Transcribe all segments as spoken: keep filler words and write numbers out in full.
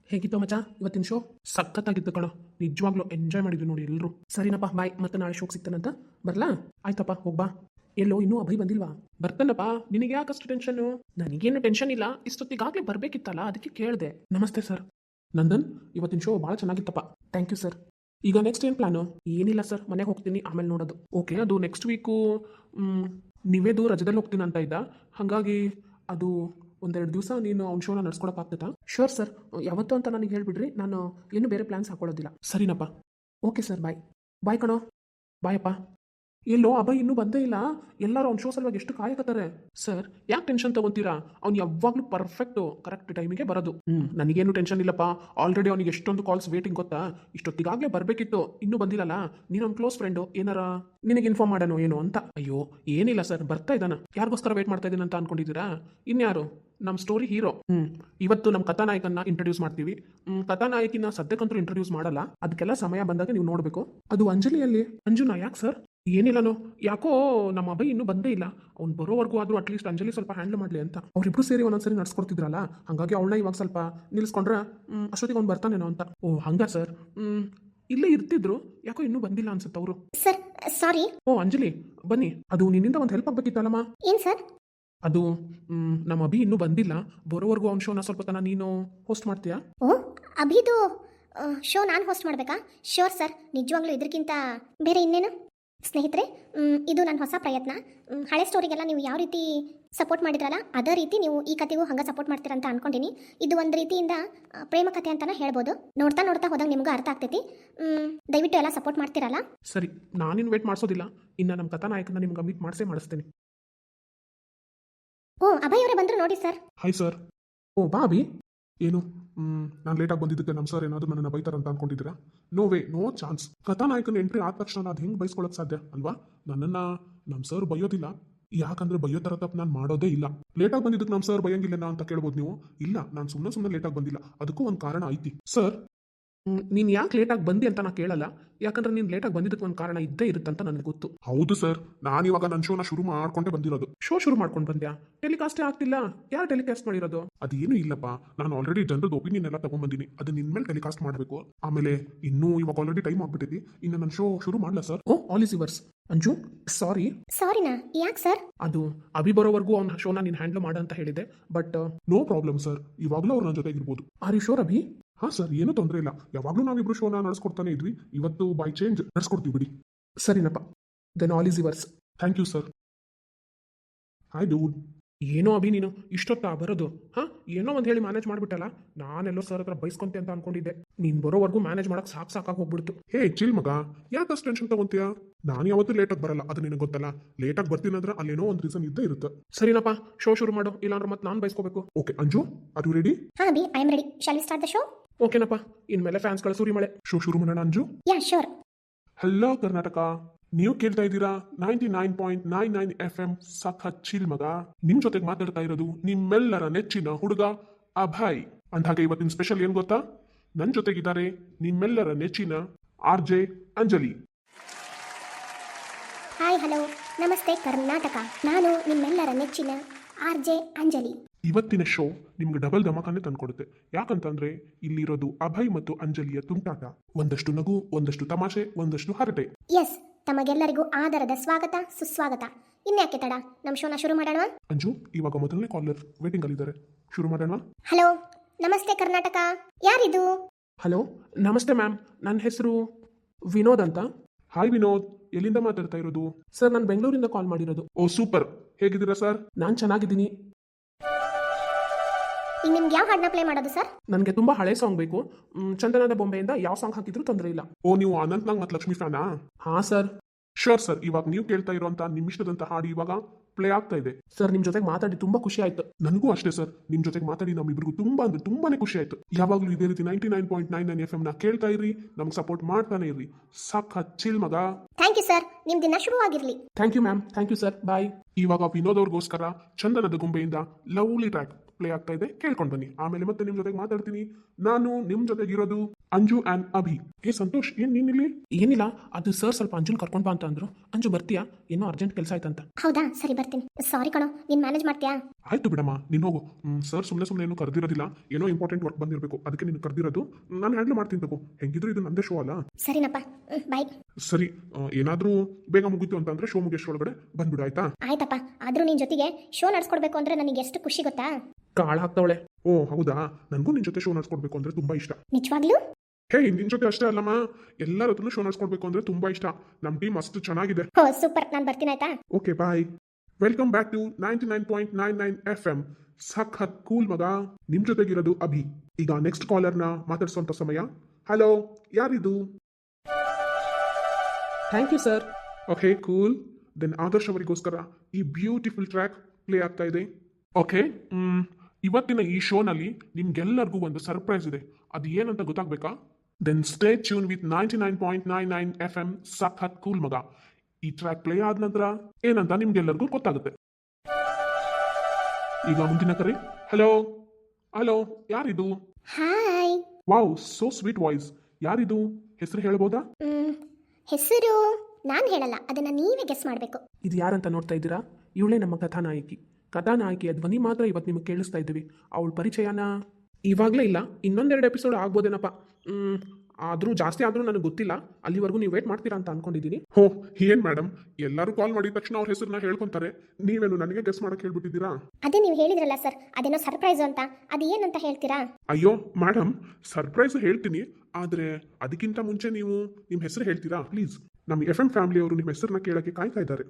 ಹೇಗಿತ್ತು ಮಚ್ಚ ಇವತ್ತಿನ ಶೋ? ಸಖತ್ತಾಗಿತ್ತು ಕಣೋ, ನಿಜವಾಗ್ಲೂ ಎಂಜಾಯ್ ಮಾಡಿದ್ವಿ ನೋಡಿ ಎಲ್ಲರೂ. ಸರಿನಪ್ಪ ಬಾಯ್, ಮತ್ತೆ ನಾಳೆ ಶೋಗೆ ಸಿಗ್ತಾನಂತ ಬರ್ಲಾ? ಆಯ್ತಪ್ಪ ಹೋಗ್ಬಾ. ಎಲ್ಲೋ ಇನ್ನೂ ಅಭಯ್ ಬಂದಿಲ್ವಾ? ಬರ್ತಾನಪ್ಪ, ನಿನಗೆ ಯಾಕಷ್ಟು ಟೆನ್ಷನ್ನು? ನನಗೇನು ಟೆನ್ಷನ್ ಇಲ್ಲ, ಇಷ್ಟೊತ್ತಿಗಾಗಲೇ ಬರಬೇಕಿತ್ತಲ್ಲ ಅದಕ್ಕೆ ಕೇಳಿದೆ. ನಮಸ್ತೆ ಸರ್. ನಂದನ್, ಇವತ್ತಿನ ಶೋ ಭಾಳ ಚೆನ್ನಾಗಿತ್ತಪ್ಪ. Thank you sir. ಈಗ ನೆಕ್ಸ್ಟ್ ಏನು ಪ್ಲಾನು? ಏನಿಲ್ಲ ಸರ್, ಮನೆಗೆ ಹೋಗ್ತೀನಿ, ಆಮೇಲೆ ನೋಡೋದು. ಓಕೆ, ಅದು ನೆಕ್ಸ್ಟ್ ವೀಕು ನೀವೇದು ರಜದಲ್ಲಿ ಹೋಗ್ತೀನಿ ಅಂತ ಇದ್ದ, ಹಾಗಾಗಿ ಅದು ಒಂದೆರಡು ದಿವಸ ನೀನು ಅವ್ನ ಶೋನ ನಡ್ಸ್ಕೊಳಕ್ಕಾಗ್ತದಾ? ಶೋರ್ ಸರ್, ಯಾವತ್ತು ಅಂತ ನನಗೆ ಹೇಳ್ಬಿಡ್ರಿ, ನಾನು ಏನು ಬೇರೆ ಪ್ಲ್ಯಾನ್ಸ್ ಹಾಕೊಳ್ಳೋದಿಲ್ಲ. ಸರಿನಪ್ಪ. Okay sir, bye. ಬಾಯ್ ಕಣೋ. ಬಾಯಪ್ಪ. ಎಲ್ಲೋ ಅಭಯ್ ಇನ್ನೂ ಬಂದೇ ಇಲ್ಲ, ಎಲ್ಲರೂ ಅವ್ನ ಶೋ ಸಲುವಾಗಿ ಎಷ್ಟು ಕಾಯಕತ್ತಾರೆ. ಸರ್ ಯಾಕೆ ಟೆನ್ಷನ್ ತಗೊಂತೀರಾ? ಅವ್ನು ಯಾವಾಗಲೂ ಪರ್ಫೆಕ್ಟು ಕರೆಕ್ಟ್ ಟೈಮಿಗೆ ಬರೋದು. ಹ್ಞೂ ನನಗೇನು ಟೆನ್ಷನ್ ಇಲ್ಲಪ್ಪ, ಆಲ್ರೆಡಿ ಅವ್ನಿಗೆ ಎಷ್ಟೊಂದು ಕಾಲ್ಸ್ ವೇಟಿಂಗ್ ಗೊತ್ತಾ? ಇಷ್ಟೊತ್ತಿಗಾಗಲೇ ಬರಬೇಕಿತ್ತು, ಇನ್ನೂ ಬಂದಿಲ್ಲಲ್ಲ. ನೀನು ಅವ್ನ ಕ್ಲೋಸ್ ಫ್ರೆಂಡು, ಏನಾರ ನಿನಗೆ ಇನ್ಫಾರ್ಮ್ ಮಾಡೋಣ ಏನು ಅಂತ. ಅಯ್ಯೋ ಏನಿಲ್ಲ ಸರ್, ಬರ್ತಾ ಇದ್ದಾನ. ಯಾರಿಗೋಸ್ಕರ ವೇಟ್ ಮಾಡ್ತಾ ಇದ್ದೀನಿ ಅಂತ ಅನ್ಕೊಂಡಿದ್ದೀರಾ? ಇನ್ಯಾರು? ನಮ್ಮ ಸ್ಟೋರಿ ಹೀರೋ. ಹ್ಞೂ ಇವತ್ತು ನಮ್ಮ ಕಥಾನಾಯಕನ್ನ ಇಂಟ್ರೊಡ್ಯೂಸ್ ಮಾಡ್ತೀವಿ. ಕಥಾನಾಯಕಿನ ಸದ್ಯಕ್ಕಂತೂ ಇಂಟ್ರೊಡ್ಯೂಸ್ ಮಾಡಲ್ಲ, ಅದಕ್ಕೆಲ್ಲ ಸಮಯ ಬಂದಾಗ ನೀವು ನೋಡಬೇಕು. ಅದು ಅಂಜಲಿಯಲ್ಲಿ. ಅಂಜುನಾ ಯಾಕೆ ಸರ್? ಏನಿಲ್ಲನೋ, ಯಾಕೋ ನಮ್ಮ ಅಭಯ್ ಇನ್ನೂ ಬಂದೇ ಇಲ್ಲ. ಅವ್ನು ಬರೋವರೆಗೂ ಆದರೂ ಅಟ್ಲೀಸ್ಟ್ ಅಂಜಲಿ ಸ್ವಲ್ಪ ಹ್ಯಾಂಡಲ್ ಮಾಡಲಿ ಅಂತ. ಅವರಿಬ್ರು ಸೇರಿ ಒಂದೊಂದ್ಸರಿ ನಡ್ಸ್ಕೊಡ್ತಿದ್ರಲ್ಲ, ಹಾಗಾಗಿ ಅವಳನ್ನ ಇವಾಗ ಸ್ವಲ್ಪ ನಿಲ್ಲಿಸ್ಕೊಂಡ್ರೆ ಅಷ್ಟೊತ್ತಿಗೆ ಅವ್ನು ಬರ್ತಾನೇನೋ ಅಂತ. ಓ ಹಂಗ ಸರ್. ಹ್ಮ್ ಇಲ್ಲೇ ಇರ್ತಿದ್ರು, ಯಾಕೋ ಇನ್ನೂ ಬಂದಿಲ್ಲ ಅನ್ಸುತ್ತೆ ಅವರು. Sir sorry. ಓ ಅಂಜಲಿ ಬನ್ನಿ, ಅದು ನಿನ್ನಿಂದ ಒಂದು ಹೆಲ್ಪ್ ಆಗ್ಬೇಕಿತ್ತಲ್ಲಮ್ಮ. ಏನು ಸರ್? ಅದು ನಮ್ಮ ಅಭಿ ಇನ್ನೂ ಬಂದಿಲ್ಲ, ಬರೋವರೆಗೂ ಅವ್ನ ಶೋನ ಸ್ವಲ್ಪ ತನ ನೀನು ಹೋಸ್ಟ್ ಮಾಡ್ತೀಯಾ? ಓ ಅಭಿದು ಶೋ ನಾನು ಹೋಸ್ಟ್ ಮಾಡಬೇಕಾ? ಶ್ಯೂರ್ ಸರ್, ನಿಜವಾಗ್ಲೂ ಇದಕ್ಕಿಂತ ಬೇರೆ ಇನ್ನೇನು. ಸ್ನೇಹಿತರೆ, ಇದು ನನ್ನ ಹೊಸ ಪ್ರಯತ್ನ. ಹಳೆ ಸ್ಟೋರಿಗೆಲ್ಲ ನೀವು ಯಾವ ರೀತಿ ಸಪೋರ್ಟ್ ಮಾಡಿದ್ರಲ್ಲ, ಅದೇ ರೀತಿ ನೀವು ಈ ಕಥೆಗೂ ಹಂಗೆ ಸಪೋರ್ಟ್ ಮಾಡ್ತೀರ ಅಂತ ಅನ್ಕೊಂಡಿನಿ. ಇದು ಒಂದು ರೀತಿಯಿಂದ ಪ್ರೇಮ ಕಥೆ ಅಂತಲೇ ಹೇಳ್ಬೋದು. ನೋಡ್ತಾ ನೋಡ್ತಾ ಹೋದಾಗ ನಿಮ್ಗೆ ಅರ್ಥ ಆಗ್ತೈತಿ. ದಯವಿಟ್ಟು ಎಲ್ಲ ಸಪೋರ್ಟ್ ಮಾಡ್ತೀರಲ್ಲ? ಸರಿ, ನಾನಿನ್ನು ವೇಟ್ ಮಾಡಿಸೋದಿಲ್ಲ, ಇನ್ನು ನಮ್ಮ ಕಥಾನಾಯಕನ ನಿಮ್ಗೆ ಮೀಟ್ ಮಾಡಿಸೇ ಮಾಡಿಸ್ತೀನಿ. ಓ ಅಭಯ್ ಅವರೇ ಬಂದರು ನೋಡಿ ಸರ್. Hi sir. ಓ ಬಾ ಅಭಿ. ಏನು ನಾನು ಲೇಟಾಗಿ ಬಂದಿದ್ದಕ್ಕೆ ನಮ್ಮ ಸರ್ ಏನಾದರೂ ನನ್ನನ್ನು ಬೈತಾರಂತ ಅನ್ಕೊಂಡಿದ್ದೀರಾ? No way, no chance. ಕಥಾನಾಯಕನ ಎಂಟ್ರಿ ಆದ ತಕ್ಷಣ ಅದು ಹೆಂಗೆ ಬೈಸ್ಕೊಳ್ಳೋಕೆ ಸಾಧ್ಯ ಅಲ್ವಾ? ನನ್ನನ್ನು ನಮ್ಮ ಸರ್ ಬೈಯೋದಿಲ್ಲ, ಯಾಕಂದ್ರೆ ಬೈಯೋ ಥರ ತಪ್ಪು ನಾನು ಮಾಡೋದೇ ಇಲ್ಲ. ಲೇಟಾಗಿ ಬಂದಿದ್ದಕ್ಕೆ ನಮ್ಮ ಸರ್ ಬೈಯಂಗಿಲ್ಲ ಅಂತ ಕೇಳ್ಬೋದು ನೀವು. ಇಲ್ಲ, ನಾನು ಸುಮ್ಮನೆ ಸುಮ್ಮನೆ ಲೇಟಾಗಿ ಬಂದಿಲ್ಲ, ಅದಕ್ಕೂ ಒಂದು ಕಾರಣ ಐತಿ ಸರ್. ನೀನು ಯಾಕೆ ಲೇಟಾಗಿ ಬಂದಿ ಅಂತ ನಾ ಕೇಳಲ್ಲ, ಯಾಕಂದ್ರೆ ನೀನು ಲೇಟಾಗಿ ಬಂದಿದ್ದಕ್ಕೆ ಒಂದು ಕಾರಣ ಇದ್ದೇ ಇರುತ್ತಂತ ನನಗೆ ಗೊತ್ತು. ಹೌದು ಸರ್, ನಾನಿವಾಗ ನನ್ನ ಶೋನ ಶುರು ಮಾಡ್ಕೊಂಡೇ ಬಂದಿರೋದು. ಶೋ ಶುರು ಮಾಡ್ಕೊಂಡು ಬಂದ್ಯಾ? ಟೆಲಿಕಾಸ್ಟೇ ಆಗ್ತಿಲ್ಲ, ಯಾರು ಟೆಲಿಕಾಸ್ಟ್ ಮಾಡಿರೋದು? ಅದೇನು ಇಲ್ಲಪ್ಪ, ನಾನು ಆಲ್ರೆಡಿ ಜನರದ್ದು ಒಪಿನಿಯನ್ ಎಲ್ಲ ತಗೊಂಡ್ಬಂದಿನಿ, ಅದು ನಿನ್ನ ಮೇಲೆ ಟೆಲಿಕಾಸ್ಟ್ ಮಾಡಬೇಕು. ಆಮೇಲೆ ಇನ್ನೂ ಇವಾಗ ಆಲ್ರೆಡಿ ಟೈಮ್ ಆಗ್ಬಿಟ್ಟಿದೆ, ಇನ್ನು ನನ್ನ ಶೋ ಶುರು ಮಾಡಲ sir? Oh all is yours. Anju sorry. ಸಾರಿನಾ? ಯಾಕೆ ಸರ್? ಅದು ಅಭಿ ಬರೋವರೆಗೂ ಅವ್ನ ಶೋನ ನೀನು ಹ್ಯಾಂಡಲ್ ಮಾಡ ಅಂತ ಹೇಳಿದೆ, ಬಟ್ ನೋ ಪ್ರಾಬ್ಲಮ್ ಸರ್, ಇವಾಗಲೂ ಅವ್ರು ನನ್ನ ಜೊತೆಗಿರ್ಬೋದು. Are you sure Abhi? ಹಾಂ ಸರ್, ಏನೂ ತೊಂದರೆ ಇಲ್ಲ, ಯಾವಾಗಲೂ ನಾವಿಬ್ರು ಶೋನ ನಡೆಸ್ಕೊಡ್ತಾನೆ ಇದ್ವಿ, ಇವತ್ತು ಬೈ ಚೇಂಜ್ ನಡೆಸ್ಕೊಡ್ತೀವಿ ಬಿಡಿ. ಸರಿನಪ್ಪ, then all is yours. Thank you sir. Hi dude. ಏನೋ ಅಭಿ ನೀನು ಇಷ್ಟೊತ್ತಾ ಬರೋದು? ಹಾಂ ಏನೋ ಒಂದು ಹೇಳಿ ಮ್ಯಾನೇಜ್ ಮಾಡಿಬಿಟ್ಟಲ್ಲ, ನಾನೆಲ್ಲೋ ಸರ್ ಹತ್ರ ಬೈಸ್ಕೊಂತೆ ಅಂತ ಅನ್ಕೊಂಡಿದ್ದೆ. ನೀನು ಬರೋವರೆಗೂ ಮ್ಯಾನೇಜ್ ಮಾಡಕ್ಕೆ ಸಾಕು ಸಾಕಾಗಿ ಹೋಗ್ಬಿಡ್ತು. ಹೇ ಚಿಲ್ ಮಗ, ಯಾಕಷ್ಟು ಟೆನ್ಷನ್ ತಗೊಂತೀಯಾ? ನಾನು ಯಾವತ್ತೂ ಲೇಟಾಗಿ ಬರಲ್ಲ, ಅದು ನಿನಗೆ ಗೊತ್ತಲ್ಲ. ಲೇಟಾಗಿ ಬರ್ತೀನಿ ಅಂದ್ರೆ ಅಲ್ಲೇನೋ ಒಂದು ರೀಸನ್ ಇದ್ದೇ ಇರುತ್ತೆ. ಸರಿನಪ್ಪ, ಶೋ ಶುರು ಮಾಡು, ಇಲ್ಲಾಂದ್ರೆ ಮತ್ತೆ ನಾನು ಬೈಸ್ಕೋಬೇಕು. Okay Anju, are you ready? ಹಾಂ Abhi, I am ready. Shall we start the show? ಓಕೆನಪ್ಪ, ಇನ್ಮೇಲೆ ಫ್ಯಾನ್ಸ್ಗಳ ಸುರಿ ಮಳೆ. ಶೋ ಶುರು ಮಾಡೋಣ Anju? Yeah sure. Hello Karnataka, ನೀವು ಕೇಳ್ತಾ ಇದ್ದೀರಾ ninety nine point nine nine F M ಸಖತ್ ಚಿಲ್ ಮಗ. ನಿಮ್ ಜೊತೆಗೆ ಮಾತಾಡ್ತಾ ಇರೋದು ನಿಮ್ಮೆಲ್ಲರ ನೆಚ್ಚಿನ ಹುಡುಗ ಅಭಯ್. ಅಂದ್ಹಾಗೆ ಇವತ್ತಿನ ಸ್ಪೆಷಲ್ ಏನ್ ಗೊತ್ತಾ? ನನ್ನ ಜೊತೆಗಿದ್ದಾರೆ ನಿಮ್ಮೆಲ್ಲರ ನೆಚ್ಚಿನ R J Anjali. Hi hello ನಮಸ್ತೆ ಕರ್ನಾಟಕ, ನಾನು ನಿಮ್ಮೆಲ್ಲರ ನೆಚ್ಚಿನ ಆರ್ ಜೆ ಅಂಜಲಿ. ಇವತ್ತಿನ ಶೋ ನಿಮ್ಗೆ ಡಬಲ್ ಧಮಾಕನೆ ತಂದ್ಕೊಡುತ್ತೆ. ಯಾಕಂತಂದ್ರೆ ಇಲ್ಲಿರೋದು ಅಭಯ್ ಮತ್ತು ಅಂಜಲಿಯ ತುಂಟಾಟ. ಒಂದಷ್ಟು ನಗು, ಒಂದಷ್ಟು ತಮಾಷೆ, ಒಂದಷ್ಟು ಹರಟೆ. ಎಸ್, ತಮಗೆಲ್ಲರಿಗೂ ಆದರದ ಸ್ವಾಗತ ಸುಸ್ವಾಗತ. ಇನ್ಯಾಕೆ ತಡ, ನಮ್ಮ ಶೋನ ಶುರು ಮಾಡೋಣ. ಅಂಜು, ಇವಾಗ ಮೊದಲನೇ ಕಾಲರ್ ವೇಟಿಂಗ್ ಅಲ್ಲಿದ್ದಾರೆ, ಶುರು ಮಾಡೋಣ. ಹಲೋ ನಮಸ್ತೆ ಕರ್ನಾಟಕ, ಯಾರಿದು? ಹಲೋ ನಮಸ್ತೆ ಮ್ಯಾಮ್, ನನ್ನ ಹೆಸರು ವಿನೋದ್ ಅಂತ. ಹಾಯ್ ವಿನೋದ್, ಎಲ್ಲಿಂದ ಮಾತಾಡ್ತಾ ಇರೋದು? ಸರ್ ನಾನು ಬೆಂಗಳೂರಿಂದ ಕಾಲ್ ಮಾಡಿರೋದು. ಓ ಸೂಪರ್, ಹೇಗಿದ್ದೀರಾ ಸರ್? ನಾನು ಚೆನ್ನಾಗಿದ್ದೀನಿ. ಈಗ ನಿಮ್ಗೆ ಯಾವ ಹಾಡನ್ನ ಪ್ಲೇ ಮಾಡೋದು ಸರ್? ನನಗೆ ತುಂಬ ಹಳೆ ಸಾಂಗ್ ಬೇಕು. ಚಂದನದ ಬೊಂಬೆಯಿಂದ ಯಾವ ಸಾಂಗ್ ಹಾಕಿದ್ರು ತೊಂದರೆ ಇಲ್ಲ. ಓ ನೀವು ಅನಂತ್ನಾಗ್ ಮತ್ತು ಲಕ್ಷ್ಮಿ ಫ್ಯಾನಾ? ಹಾಂ ಸರ್. ಶೋರ್ ಸರ್, ಇವಾಗ ನೀವು ಕೇಳ್ತಾ ಇರುವಂತ ನಿಮ್ಮ ಇಷ್ಟದಂತ ಹಾಡು ಇವಾಗ ಪ್ಲೇ ಆಗ್ತಾ ಇದೆ. ಸರ್ ನಿಮ್ಮ ಜೊತೆಗೆ ಮಾತಾಡಿ ತುಂಬಾ ಖುಷಿ ಆಯ್ತು. ನನಗೂ ಅಷ್ಟೇ ಸರ್, ನಿಮ್ಮ ಜೊತೆಗೆ ಮಾತಾಡಿ ನಮ್ಮಿಬ್ರಿಗೂ ತುಂಬಾ ಅಂದ್ರೆ ತುಂಬಾನೇ ಖುಷಿ ಆಯ್ತು. ಯಾವಾಗಲೂ ಇದೇ ರೀತಿ ninety nine point nine nine F M ನ ಕೇಳ್ತಾ ಇರಿ, ನಮ್ಗೆ ಸಪೋರ್ಟ್ ಮಾಡ್ತಾನೆ ಇರಿ. ಸಖತ್ ಚಿಲ್ ಮಗ. ಥ್ಯಾಂಕ್ ಯು ಸರ್, ನಿಮ್ ದಿನ ಶುರುವಾಗಿರ್ಲಿ. Thank you ma'am. Thank you sir, bye. ಇವಾಗ ವಿನೋದ್ ಅವ್ರಿಗೋಸ್ಕರ ಚಂದನದ ಗೊಂಬೆಯಿಂದ ಲವ್ಲಿ ಟ್ರ್ಯಾಕ್ ಪ್ಲೇ ಆಗ್ತಾ ಇದೆ ಕೇಳ್ಕೊಂಡು ಬನ್ನಿ ಆಮೇಲೆ ಮತ್ತೆ ನಿಮ್ ಜೊತೆಗೆ ಮಾತಾಡ್ತೀನಿ ನಾನು ನಿಮ್ ಜೊತೆಗೆ ಇರೋದು ಅಂಜು ಆ್ಯಂಡ್ ಅಭಿ. ಏ ಸಂತೋಷ್ ಏನ್ ನೀನಿಲ್ಲಿ? ಏನಿಲ್ಲ, ಅದು ಸರ್ ಸ್ವಲ್ಪ ಅಂಜುನ್ ಕರ್ಕೊಂಡ್ ಬಾ ಅಂತ ಅಂದ್ರು. ಅಂಜು ಬರ್ತೀಯಾ? ಏನೋ ಅರ್ಜೆಂಟ್ ಕೆಲಸ ಆಯ್ತಂತ. ಹೌದಾ, ಸರಿ ಬರ್ತೀನಿ. ಸಾರಿ ಕಣೋ, ನೀನು ಮ್ಯಾನೇಜ್ ಮಾಡ್ತೀಯಾ? ಆಯ್ತು ಬಿಡಮ್ಮ, ನೀನು ಹೋಗು. ಸರ್ ಸುಮ್ಮನೆ ಸುಮ್ಮನೆ ಏನು ಕರೆದಿರೋದಿಲ್ಲ, ಏನೋ ಇಂಪಾರ್ಟೆಂಟ್ ವರ್ಕ್ ಬಂದಿರಬೇಕು, ಅದಕ್ಕೆ ನೀನು ಕರೆದಿರೋದು. ನಾನು ಹ್ಯಾಂಡಲ್ ಮಾಡ್ತೀನಿ ತಗೋ. ಹೆಂಗಿದ್ರು ಇದು ನಂದೇ ಶೋ ಅಲ್ಲ. ಸರಿನಪ್ಪ, ಬಾಯ್. ಸರಿ, ಆ, ಏನಾದ್ರೂ ಬೇಗ ಮುಗೀತು ಅಂತಂದ್ರೆ ಶೋ ಮುಗಿಯೋಷ್ಟ್ರೊಳಗಡೆ ಬಂದ್ಬಿಡು ಆಯ್ತಾ? ಆಯ್ತಪ್ಪ, ಆದ್ರೂ ನಿನ್ ಜೊತೆಗೆ ಶೋ ನಡ್ಸ್ಕೊಡ್ಬೇಕು ಅಂದ್ರೆ ನನಗೆ ಎಷ್ಟು ಖುಷಿ ಗೊತ್ತಾ? ಕಾಳ ಹಾಕ್ತವಳೆ. ಓ ಹೌದಾ, ನನಗೂ ನಿನ್ ಜೊತೆ ಶೋ ನಡ್ಸ್ಕೊಡ್ಬೇಕು ಅಂದ್ರೆ ತುಂಬಾ ಇಷ್ಟ. ನಿಜವಾಗ್ಲೂ? ಹೇ, ನಿನ್ ಜೊತೆ ಅಷ್ಟೇ ಅಲ್ಲಮ್ಮ, ಎಲ್ಲರ ಹತ್ರನೂ ಶೋ ನಡ್ಸ್ಕೊಡ್ಬೇಕು ಅಂದ್ರೆ ತುಂಬಾ ಇಷ್ಟ. ನಮ್ ಟೀಮ್ ಅಷ್ಟು ಚೆನ್ನಾಗಿದೆ. ಹೋ ಸೂಪರ್, ನಾನು ಬರ್ತೀನಿ ಆಯ್ತಾ? Okay bye. Welcome back to ninety nine point nine nine F M. ಸಖತ್ ಕೂಲ್ ಮಗ, ನಿಮ್ ಜೊತೆಗಿರೋದು ಅಭಿ. ಈಗ ನೆಕ್ಸ್ಟ್ ಕಾಲರ್ನ ಮಾತಾಡ್ಸೋಂಥ ಸಮಯ. ಹಲೋ, ಯಾರಿದು? Thank you sir. Okay cool. Then Adarsh ಅವರಿಗೋಸ್ಕರ ಈ ಬ್ಯೂಟಿಫುಲ್ ಟ್ರ್ಯಾಕ್ ಪ್ಲೇ ಆಗ್ತಾ ಇದೆ. ಓಕೆ, ಇವತ್ತಿನ ಈ ಶೋನಲ್ಲಿ ನಿಮ್ಗೆಲ್ಲರಿಗೂ ಒಂದು ಸರ್ಪ್ರೈಸ್ ಇದೆ. ಅದು ಏನಂತ ಗೊತ್ತಾಗ್ಬೇಕಾ? Then stay tune with ninety nine point nine nine F M. ಸಖತ್ ಕೂಲ್ ಮಗ. ಈ ಟ್ರ್ಯಾಕ್ ಪ್ಲೇ ಆದ ನಂತರ ಏನಂತ ನಿಮ್ಗೆಲ್ಲರಿಗೂ ಗೊತ್ತಾಗುತ್ತೆ. ಈಗ ಮುಂದಿನ ಕರೆ. ಹಲೋ ಹಲೋ, ಯಾರಿದು? Hi. Wow, so sweet voice. ಯಾರಿದು? ಹೆಸರು ಹೇಳ್ಬೋದಾ? ಮ್, ಹೆಸರು ನಾನು ಹೇಳಲ್ಲ, ಅದನ್ನ ನೀವೇ ಗೆಸ್ ಮಾಡಬೇಕು. ಇದು ಯಾರಂತ ನೋಡ್ತಾ ಇದ್ದೀರಾ? ಇವಳೇ ನಮ್ಮ ಕಥಾನಾಯಕಿ. ಕಥಾನಾಯಕಿಯ ಧ್ವನಿ ಮಾತ್ರ ಇವತ್ತು ನಿಮಗೆ ಕೇಳಿಸ್ತಾ ಇದ್ದೀವಿ. ಅವಳ ಪರಿಚಯನ ಇವಾಗಲೇ ಇಲ್ಲ, ಇನ್ನೊಂದೆರಡು ಎಪಿಸೋಡ್ ಆಗ್ಬೋದೇನಪ್ಪ. ಆದರೂ ಜಾಸ್ತಿ ಆದರೂ ನನಗೆ ಗೊತ್ತಿಲ್ಲ. ಅಲ್ಲಿವರೆಗೂ ನೀವು ವೇಟ್ ಮಾಡ್ತೀರಾ ಅಂತ ಅನ್ಕೊಂಡಿದ್ದೀನಿ. ಹೋ, ಏನ್ ಮೇಡಮ್, ಎಲ್ಲರೂ ಕಾಲ್ ಮಾಡಿದ ತಕ್ಷಣ ಅವ್ರ ಹೆಸರನ್ನ ಹೇಳ್ಕೊಂತಾರೆ, ನೀವೇನು ನನಗೆ ಗೆಸ್ ಮಾಡಕ್ ಹೇಳ್ಬಿಟ್ಟಿದ್ದೀರಾ? ಅದೇ ನೀವು ಹೇಳಿದ್ರಲ್ಲ ಸರ್, ಅದೇನೋ ಸರ್ಪ್ರೈಸ್ ಅಂತ, ಅದು ಏನಂತ ಹೇಳ್ತೀರಾ? ಅಯ್ಯೋ ಮೇಡಮ್, ಸರ್ಪ್ರೈಸ್ ಹೇಳ್ತೀನಿ, ಆದ್ರೆ ಅದಕ್ಕಿಂತ ಮುಂಚೆ ನೀವು ನಿಮ್ಮ ಹೆಸರು ಹೇಳ್ತೀರಾ ಪ್ಲೀಸ್? ನಮ್ಮ ಎಫ್ ಎಂ ಫ್ಯಾಮಿಲಿ ಅವರು ನಿಮ್ಮ ಹೆಸರನ್ನ ಕೇಳಕ್ಕೆ ಕಾಯ್ತಾ ಇದ್ದಾರೆ.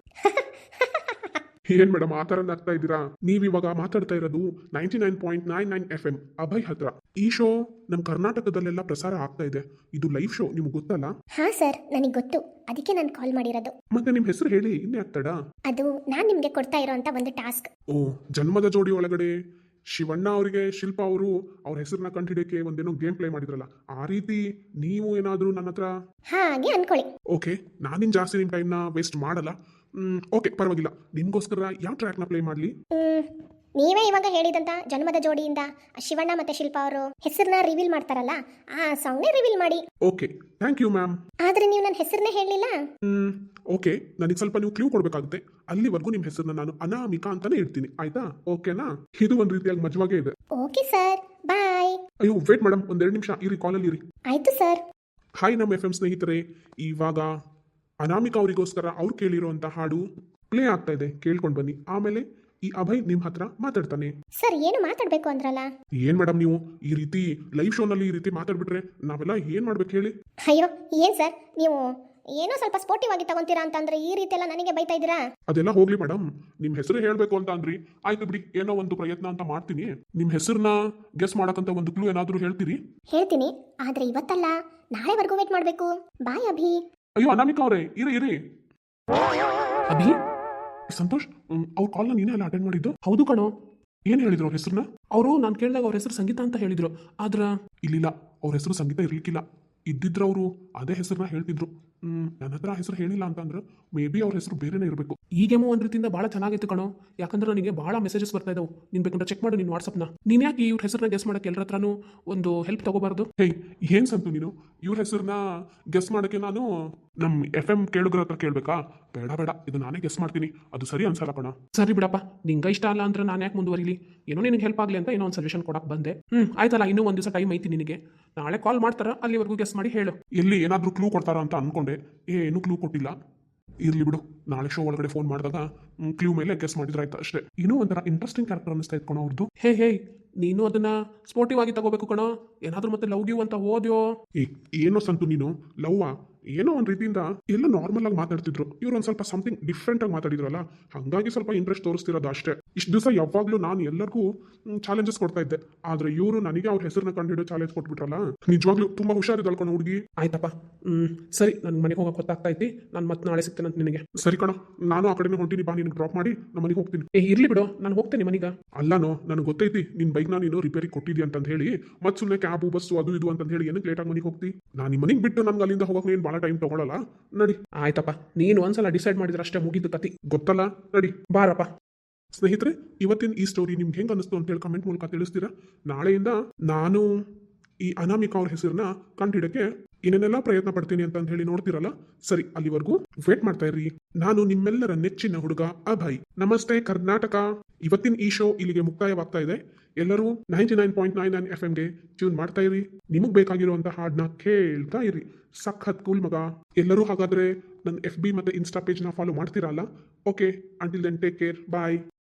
ಏನ್ ಮೇಡಮ್ ಆ ಥರ ಆಗ್ತಾ ಇದ್ದೀರಾ? ನೀವಿವಾಗ ಮಾತಾಡ್ತಾ ಇರೋದು ninety nine point nine nine F M Abhay ಹತ್ರ. ಈ ಶೋ ನಮ್ಮ ಕರ್ನಾಟಕದಲ್ಲೆಲ್ಲ ಪ್ರಸಾರ ಆಗ್ತಾ ಇದೆ. ಇದು ಲೈವ್ ಶೋ, ನಿಮ್ಗೆ ಗೊತ್ತಲ್ಲ? ಹಾ ಸರ್, ನನಗೆ ಗೊತ್ತು, ಅದಕ್ಕೆ ನಾನು ಕಾಲ್ ಮಾಡಿರೋದು. ಮತ್ತೆ ನಿಮ್ ಹೆಸರು ಹೇಳಿ, ಇನ್ನೇ ಆಗ್ತಾಡ? ಅದು ನಾನು ನಿಮಗೆ ಕೊಡ್ತಾ ಇರೋಂಥ ಒಂದು ಟಾಸ್ಕ್. ಓ, ಜನ್ಮದ ಜೋಡಿ ಒಳಗಡೆ ಶಿವಣ್ಣ ಅವರಿಗೆ ಶಿಲ್ಪಾ ಅವರು ಅವ್ರ ಹೆಸರನ್ನ ಕಂಡುಹಿಡಿಯಕ್ಕೆ ಒಂದೇನೋ ಗೇಮ್ ಪ್ಲೇ ಮಾಡಿದ್ರಲ್ಲ, ಆ ರೀತಿ ನೀವು ಏನಾದರೂ ನನ್ನ ಹತ್ರ? ಹಾಗೆ ಅನ್ಕೊಳ್ಳಿ. ಓಕೆ, ನಾನಿನ್ ಜಾಸ್ತಿ ನಿಮ್ಮ ಟೈಮ್ನ ವೇಸ್ಟ್ ಮಾಡಲ್ಲ. ಓಕೆ, ಪರವಾಗಿಲ್ಲ. ನಿಮ್ಗೋಸ್ಕರ ಯಾವ ಟ್ರ್ಯಾಕ್ನ ಪ್ಲೇ ಮಾಡಲಿ? ಮ್, ನೀವೇ ಇವಾಗ ಹೇಳಿದಂತ ಜನ್ಮದ ಜೋಡಿಯಿಂದ ಶಿವಣ್ಣ ಮತ್ತೆ ಶಿಲ್ಪಾ ಅವರು ಹೆಸರನ್ನ ರಿವೀಲ್ ಮಾಡ್ತಾರಲ್ಲ, ಆ ಸಾಂಗ್ನೇ ರಿವೀಲ್ ಮಾಡಿ. Okay, thank you ma'am. ಆದ್ರೆ ನೀವು ನನ್ನ ಹೆಸರನ್ನೇ ಹೇಳಲಿಲ್ಲ. ಹ್ಮ್ ಓಕೆ, ನನಗೆ ಸ್ವಲ್ಪ ನೀವು ಕ್ಲೂ ಕೊಡಬೇಕಾಗುತ್ತೆ. ಅಲ್ಲಿವರೆಗೂ ನಿಮ್ಮ ಹೆಸರನ್ನ ನಾನು ಅನಾಮಿಕಾ ಅಂತಾನೆ ಇಡ್ತೀನಿ, ಆಯ್ತಾ? ಓಕೆನಾ? ಇದು ಒಂದು ರೀತಿಯಾಗಿ ಮಜವಾಗೇ ಇದೆ. Okay sir, bye. ಅಯ್ಯೋ ವೇಟ್ ಮೇಡಮ್, ಒಂದೆರಡು ನಿಮಿಷ ಇರಿ, ಕಾಲಲ್ಲಿ ಇರಿ. ಆಯ್ತು ಸರ್. ಹಾಯ್ ನಮ್ಮ ಎಫ್ ಎಂ ಸ್ನೇಹಿತರೆ, ಇವಾಗ ಅನಾಮಿಕಾ ಅವರಿಗೋಸ್ಕರ ಅವ್ರು ಕೇಳಿರುವಂತ ಹಾಡು ಪ್ಲೇ ಆಗ್ತಾ ಇದೆ, ಕೇಳ್ಕೊಂಡು ಬನ್ನಿ. ಆಮೇಲೆ ಈ ಅಭಯ್ ನಿಮ್ ಹತ್ರ ಮಾತಾಡ್ತಾನೆ. ಸರ್, ಏನು ಮಾತಾಡ್ಬೇಕು ಅಂದ್ರಲ್ಲ? ಏನ್ ಮೇಡಮ್ ನೀವು ಈ ರೀತಿ ಲೈವ್ ಶೋನಲ್ಲಿ ಈ ರೀತಿ ಮಾತಾಡ್ಬಿಟ್ರೆ ನಾವೆಲ್ಲ ಏನ್ ಮಾಡ್ಬೇಕು ಹೇಳಿ? ಅಯ್ಯೋ ಏನ್ ಸರ್, ನೀವು ಏನೋ ಸ್ವಲ್ಪ ಸ್ಪೋರ್ಟಿವ್ ಆಗಿ ತಗೊಂತೀರಾ ಅಂತಂದ್ರೆ ಈ ರೀತಿ ಎಲ್ಲ ನನಗೆ ಬೈತಾ ಇದ್ದೀರಾ? ಅದೆಲ್ಲ ಹೋಗ್ಲಿ ಮೇಡಮ್, ನಿಮ್ ಹೆಸರು ಹೇಳ್ಬೇಕು ಅಂತ ಅಂದ್ರಿ, ಆಯ್ತು ಬಿಡಿ, ಏನೋ ಒಂದು ಪ್ರಯತ್ನ ಅಂತ ಮಾಡ್ತೀನಿ. ನಿಮ್ ಹೆಸರನ್ನ ಗೆಸ್ ಮಾಡಕ್ಕಂತ ಒಂದು ಕ್ಲೂ ಏನಾದ್ರೂ ಹೇಳ್ತೀರಿ? ಹೇಳ್ತೀನಿ, ಆದ್ರೆ ಇವತ್ತಲ್ಲ, ನಾಳೆವರೆಗೂ ವೇಟ್ ಮಾಡ್ಬೇಕು. ಬಾಯ್ ಅಭಿ. ಅಯ್ಯೋ ಅನಾಮಿಕಾ ಅವರೇ, ಇರಿ ಇರಿ. ಅಭಿ? ಸಂತೋಷ್, ಅವ್ರ ಕಾಲ್ನ ನೀನೇ ಅಲ್ಲ ಅಟೆಂಡ್ ಮಾಡಿದ್ದು? ಹೌದು ಕಣೋ. ಏನ್ ಹೇಳಿದ್ರು ಅವ್ರ ಹೆಸರನ್ನ? ಅವರು ನಾನು ಕೇಳಿದಾಗ ಅವ್ರ ಹೆಸರು ಸಂಗೀತ ಅಂತ ಹೇಳಿದ್ರು. ಆದ್ರ ಇಲ್ಲಿಲ್ಲ, ಅವ್ರ ಹೆಸರು ಸಂಗೀತ ಇರ್ಲಿಕ್ಕಿಲ್ಲ. ಇದ್ದಿದ್ರು ಅವರು ಅದೇ ಹೆಸರನ್ನ ಹೇಳ್ತಿದ್ರು. ಹ್ಮ್ ನನ್ನ ಹತ್ರ ಹೆಸರು ಹೇಳಿಲ್ಲ ಅಂತಂದ್ರೆ ಮೇ ಬಿ ಅವ್ರ ಹೆಸರು ಬೇರೆನೇ ಇರಬೇಕು. ಈಗೇಮೋ ಒಂದ್ ರೀತಿಯಿಂದ ಭಾಳ ಚೆನ್ನಾಗಿತ್ತು ಕಣೋ, ಯಾಕಂದ್ರೆ ನನಗೆ ಭಾಳ ಮೆಸೇಜಸ್ ಬರ್ತಾ ಇದಾವೆ. ನೀನ್ ಬೇಕಂದ್ರೆ ಚೆಕ್ ಮಾಡು ನಿನ್ನ ವಾಟ್ಸಪ್ನ. ನೀನ್ ಯಾಕೆ ಇವ್ರ ಹೆಸರನ್ನ ಗೆಸ್ ಮಾಡಕ್ಕೆ ಎಲ್ಲರ ಹತ್ರನೂ ಒಂದು ಹೆಲ್ಪ್ ತಗೋಬಾರ್ದು? ಹೇಯ್, ಏನ್ ಸಂತು ನೀನು ಇವ್ರ ಹೆಸರನ್ನ ಗೆಸ್ ಮಾಡಕ್ಕೆ ನಾನು ನಮ್ ಎಫ್ ಎಂ ಕೇಳುಗರ ಹತ್ರ ಕೇಳ್ಬೇಕಾ? ಬೇಡ ಬೇಡ, ಇದು ನಾನೇ ಗೆಸ್ ಮಾಡ್ತೀನಿ, ಅದು ಸರಿ ಅನ್ಸಲ್ಲ ಕಣ. ಸರಿ ಬಿಡಪ್ಪ, ನಿಂಗೆ ಇಷ್ಟ ಅಲ್ಲ ಅಂದ್ರೆ ನಾನು ಯಾಕೆ ಮುಂದುವರಿಲಿ? ಏನೋ ನಿನಗೆ ಹೆಲ್ಪ್ ಆಗಲಿ ಅಂತ ಏನೋ ಒಂದು ಸಜೆಷನ್ ಕೊಡಕ್ಕೆ ಬಂದೆ. ಹ್ಮ್ ಆಯ್ತಲ್ಲ, ಇನ್ನೂ ಒಂದು ದಿವಸ ಟೈಮ್ ಐತಿ ನಿನಗೆ. ನಾಳೆ ಕಾಲ್ ಮಾಡ್ತಾರ, ಅಲ್ಲಿವರೆಗೂ ಗೆಸ್ ಮಾಡಿ ಹೇಳು. ಎಲ್ಲಿ ಏನಾದ್ರೂ ಕ್ಲೂ ಕೊಡ್ತಾರ ಅಂತ ಅನ್ಕೊಂಡೆ, ಏನು ಕ್ಲೂ ಕೊಟ್ಟಿಲ್ಲ. ಇರ್ಲಿ ಬಿಡು, ನಾಳೆ ಶೋ ಒಳಗಡೆ ಫೋನ್ ಮಾಡಿದಾಗ ಕ್ಲೂ ಮೇಲೆ ಗೆಸ್ ಮಾಡಿದ್ರೆ ಆಯ್ತು ಅಷ್ಟೇ. ಇನ್ನೂ ಒಂಥರ ಇಂಟ್ರೆಸ್ಟಿಂಗ್ ಕ್ಯಾರೆಕ್ಟರ್ ಅನಿಸ್ತಾ ಇತ್ತು ಅವ್ರದ್ದು. ಹೇ ಹೇ, ನೀನು ಅದನ್ನ ಸ್ಪೋರ್ಟಿವ್ ಆಗಿ ತಗೋಬೇಕು ಕಣೋ. ಏನಾದ್ರೂ ಮತ್ತೆ ಲವ್ ಗಿವ್ ಅಂತ ಹೋದ್ಯೋ? ಏ ಏನೋ ಸಂತು ನೀನು ಲವ್ವಾ ಏನೋ ಒಂದು ರೀತಿಯಿಂದ ಎಲ್ಲ ನಾರ್ಮಲ್ ಆಗಿ ಮಾತಾಡ್ತಿದ್ರು, ಇವ್ರು ಒಂದು ಸ್ವಲ್ಪ ಸಮಥಿಂಗ್ ಡಿಫ್ರೆಂಟ್ ಆಗಿ ಮಾತಾಡಿದ್ರಲ್ಲ, ಹಾಗಾಗಿ ಸ್ವಲ್ಪ ಇಂಟ್ರೆಸ್ಟ್ ತೋರಿಸ್ತಿರೋದು ಅಷ್ಟೇ. ಇಷ್ಟು ದಿವಸ ಯಾವಾಗಲೂ ನಾನು ಎಲ್ಲರಿಗೂ ಚಾಲೆಂಜಸ್ ಕೊಡ್ತಾ ಇದ್ದೆ, ಆದ್ರೆ ಇವರು ನನಗೆ ಅವ್ರ ಹೆಸರನ್ನ ಕಂಡುಹಿಡಿದು ಚಾಲೆಂಜ್ ಕೊಟ್ಬಿಟ್ರಲ್ಲ, ನಿಜವಾಗ್ಲೂ ತುಂಬಾ ಹುಷಾರಿದಳ್ಕೊಂಡು ಹುಡುಗಿ. ಆಯ್ತಪ್ಪ, ಹ್ಮ್ ಸರಿ, ನನ್ಗೆ ಮನೆಗೆ ಹೋಗಕ್ಕೆ ಗೊತ್ತಾಗ್ತಾ ಐತಿ. ನಾನು ಮತ್ತೆ ನಾಳೆ ಸಿಗ್ತೇನೆ ಅಂತ ನಿನಗೆ. ಸರಿ ಕಣ, ನಾನು ಆ ಕಡೆನೇ ಹೊಂಟೀನಿ, ಬಾ ನಿನ್ಗೆ ಡ್ರಾಪ್ ಮಾಡಿ ನಮ್ಮ ಮನೆಗೆ ಹೋಗ್ತೀನಿ. ಏ ಇರ್ಲಿ ಬಿಡು, ನಾನು ಹೋಗ್ತೇನೆ ಮನೆಗ. ಅಲ್ಲನೋ, ನನಗೆ ಗೊತ್ತೈತಿ ನಿನ್ ಬೈಕ್ನ ನೀನು ರಿಪೇರಿ ಕೊಟ್ಟಿದ್ದಿ ಅಂತ ಹೇಳಿ, ಮತ್ತೆ ಸುಮ್ಮನೆ ಕ್ಯಾಬು ಬಸ್ಸು ಅದು ಇದು ಅಂತ ಹೇಳಿ ಏನಕ್ಕೆ ಲೇಟಾಗಿ ಮನೆಗೆ ಹೋಗ್ತಿ? ನಾನು ನಿಮ್ಮ ಮನೆಗೆ ಬಿಟ್ಟು ನನ್ಗೆ ಅಲ್ಲಿಂದ ಹೋಗಕ್ಕೆ ನೀನು ಭಾಳ ಟೈಮ್ ತಗೊಳ್ಳಲ್ಲ, ನಡಿ. ಆಯ್ತಪ್ಪ, ನೀನು ಒಂದ್ಸಲ ಡಿಸೈಡ್ ಮಾಡಿದ್ರೆ ಅಷ್ಟೇ, ಮುಗಿದು ಕತಿ. ಗೊತ್ತಲ್ಲ, ನಡಿ. ಬಾರಪ್ಪ. ಸ್ನೇಹಿತರೆ, ಇವತ್ತಿನ ಈ ಸ್ಟೋರಿ ನಿಮ್ಗೆ ಹೆಂಗೆ ಅನಿಸ್ತು ಅಂತ ಹೇಳಿ ಕಮೆಂಟ್ ಮೂಲಕ ತಿಳಿಸ್ತೀರಾ. ನಾಳೆಯಿಂದ ನಾನು ಈ ಅನಾಮಿಕಾ ಅವ್ರ ಹೆಸರನ್ನ ಕಂಡುಹಿಡಕ್ಕೆ ಏನೇನೆಲ್ಲ ಪ್ರಯತ್ನ ಪಡ್ತೀನಿ ಅಂತ ಹೇಳಿ ನೋಡ್ತಿರಲ್ಲ. ಸರಿ, ಅಲ್ಲಿವರೆಗೂ ವೇಟ್ ಮಾಡ್ತಾ ಇರ್ರಿ. ನಾನು ನಿಮ್ಮೆಲ್ಲರ ನೆಚ್ಚಿನ ಹುಡುಗ ಅಭಯ್. ನಮಸ್ತೆ ಕರ್ನಾಟಕ. ಇವತ್ತಿನ ಈ ಶೋ ಇಲ್ಲಿಗೆ ಮುಕ್ತಾಯವಾಗ್ತಾ ಇದೆ. ಎಲ್ಲರೂ ninety nine point nine nine F ಎಂಗೆ ಟ್ಯೂನ್ ಮಾಡ್ತಾ ಇರಿ. ನಿಮಗ್ ಬೇಕಾಗಿರುವಂತ ಹಾಡನ್ನ ಕೇಳ್ತಾ ಇರಿ. ಸಖತ್ ಕೂಲ್ ಮಗ. ಎಲ್ಲರೂ ಹಾಗಾದ್ರೆ ನನ್ನ ಎಫ್ ಬಿ ಮತ್ತೆ ಇನ್ಸ್ಟಾ ಪೇಜ್ನ ಫಾಲೋ ಮಾಡ್ತೀರಲ್ಲ. Okay, until then take care, ಬಾಯ್.